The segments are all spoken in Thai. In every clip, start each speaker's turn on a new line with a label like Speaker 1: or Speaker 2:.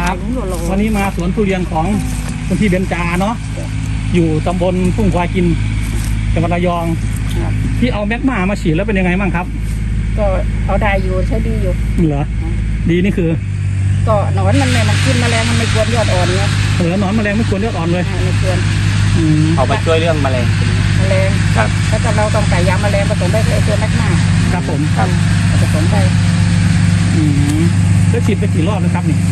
Speaker 1: ครับวันนี้มาสวนทุเรียนของคุณพี่เบญจาเนาะอยู่ตำบลทุ่งควายกินจังหวัดระยองที่เอาแมกมามาฉีดแล้วเป็นยังไงบ้างครับ
Speaker 2: ก็เอาได้อยู่ใช้ดีอยู่
Speaker 1: เหรอดีนี่คือ
Speaker 2: ก็หนอนมันไม่กินแมลงมันไม่กวนยอดอ่อนเนี่ย
Speaker 1: หนอนแมลงไม่กวนยอดอ่อนเลย
Speaker 2: ไม่กวน
Speaker 3: เอาไปช่วยเรื่องแมลง
Speaker 2: ครับถ้าเราต้องใส่ยาแมลงผสมได้ไอตัวแมกมา
Speaker 1: ครับผม
Speaker 2: ครับผสมได้
Speaker 1: แล้วฉีดไปกี่รอบนะครับนี่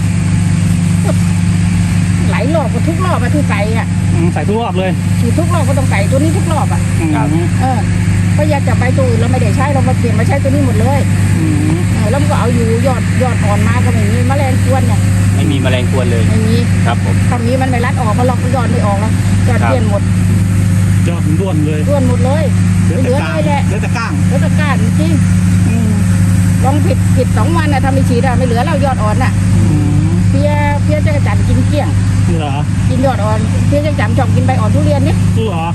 Speaker 2: หลายรอบก็ทุกรอบมาทุกใส่อ่ะ
Speaker 1: ใส่ทุกรอบเลย
Speaker 2: ฉีดทุกรอบก็ต้องใส่ตัวนี้ทุกรอบอ่ะก็อยากจะไปตัวอื่นเราไม่ได้ใช้เรามาเปลี่ยนมาใช้ตัวนี้หมดเลยแล้วมันก็เอาอยู่ยอดอ่อนมาก็ไม่มีแมลงกวนเนี่ย
Speaker 3: ไม่มีแมลงกวนเลย
Speaker 2: ไม่มี
Speaker 3: ครับผม
Speaker 2: ถ้ามีมันไม่รัดออกมาล็อกยอดไม่ออกแล้วยอดเปลี่ยนหมด
Speaker 1: ยอดด้วนเลย
Speaker 2: ด้วนหมดเลย
Speaker 1: เหลือแต่ก้าง
Speaker 2: จริงลองผิด2 วันนะทำไม่ฉีดอะไม่เหลือแล้วยอดอ่อนน่ะเพี้ยจักรจันทร์กินเกลี้ยง
Speaker 1: เหรอ
Speaker 2: กินยอดอ่อนเพี้ยจักรจันทร์ชอบกินใบอ่อนทุเรียนนี่
Speaker 1: เหรอ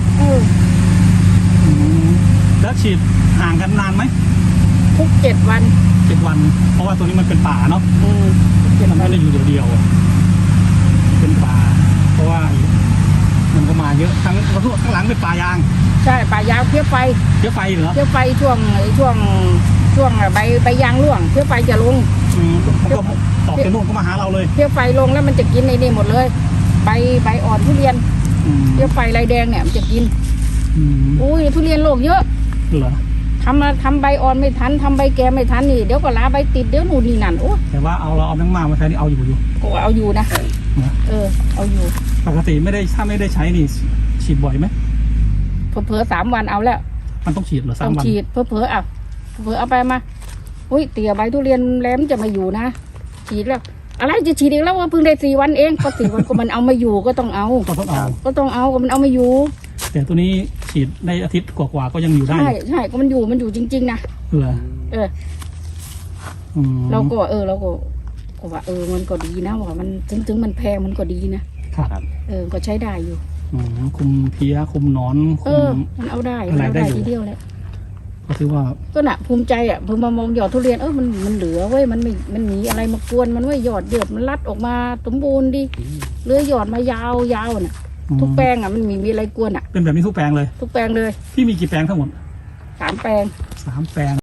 Speaker 1: แล้วฉีดห่างกันนานไหม
Speaker 2: ทุก7 วัน
Speaker 1: เพราะว่าตัวนี้มันเป็นป่าเนาะมันไม่ได้อยู่เดียวเป็นป่าเพราะว่ามันก็มาเยอะทั้งข้างหลังเป็นป่ายาง
Speaker 2: ใช่ป่ายางเพี้ยไฟ
Speaker 1: เหรอ
Speaker 2: เพี้ยไฟช่วงใบยางร่วงเพี้ยไฟจะลง
Speaker 1: มันก็ตอกจากนู่นก็มาหาเราเลย
Speaker 2: เพี้ยไฟลงแล้วมันจะกินในนี่หมดเลยใบอ่อนทุเรียนเพี้ยไฟลายแดงเนี่ยมันจะกินอุ้ยทุเรียนโรคเยอะ
Speaker 1: เหรอ
Speaker 2: ทำใบอ่อนไม่ทันทำใบแก่ไม่ทันนี่เดี๋ยวก็ลาใบติดเดี๋ยวนู่นนี่นั่นโอ้
Speaker 1: แต่ว่าเราเอาแมงมาใช้นี่เอาอยู่
Speaker 2: ก็เอาอยู่นะเอาอยู่
Speaker 1: ปกติถ้าไม่ได้ใช้นี่ฉีดบ่อยไหม
Speaker 2: เผลอ3 วันเอาแล้ว
Speaker 1: มันต้องฉีดเหรอ3 วัน
Speaker 2: ต้องฉีดเผลอเอาไปมาอุ้ยเตี๋ยใบทุเรียนแหลมจะมาอยู่นะฉีดแล้วอะไรจะฉีดอีกแล้วว่าเพิ่งได้4 วันเองก็4 วันก็มันเอามาอยู่ก็ต้องเอาก็มันเอามาอยู่
Speaker 1: แต่ตัวนี้ฉีดในอาทิตย์กว่าก็ยังอยู่ได้
Speaker 2: ใช่ก็มันอยู่จริงๆนะ
Speaker 1: เหรอ
Speaker 2: เราก็ว่ามันก็ดีนะว่ามันถึงมันแพงมันก็ดีนะครับก็ใช้ได้อยู่
Speaker 1: คุมเพี้ยคุมหนอน
Speaker 2: มันเอาได้ทีเดียวแหละ
Speaker 1: ก็ถือว่า
Speaker 2: ก็น่ะภูมิใจอ่ะพอมามองยอดทุเรียนมันเหลือเว้ยมันมีอะไรมากวนมันไว้ยอดเดือดมันรัดออกมาสมบูรณ์ดีเลื้อยยอดมายาวน่ะทุกแปลงอ่ะมันมีอะไรกวนอ่ะ
Speaker 1: เป็นแบบนี้ทุกแปลงเลย
Speaker 2: ทุกแปลงเลย
Speaker 1: พี่มีกี่แปลงทั้งหมด
Speaker 2: 3 แปลง
Speaker 1: 3 แปลง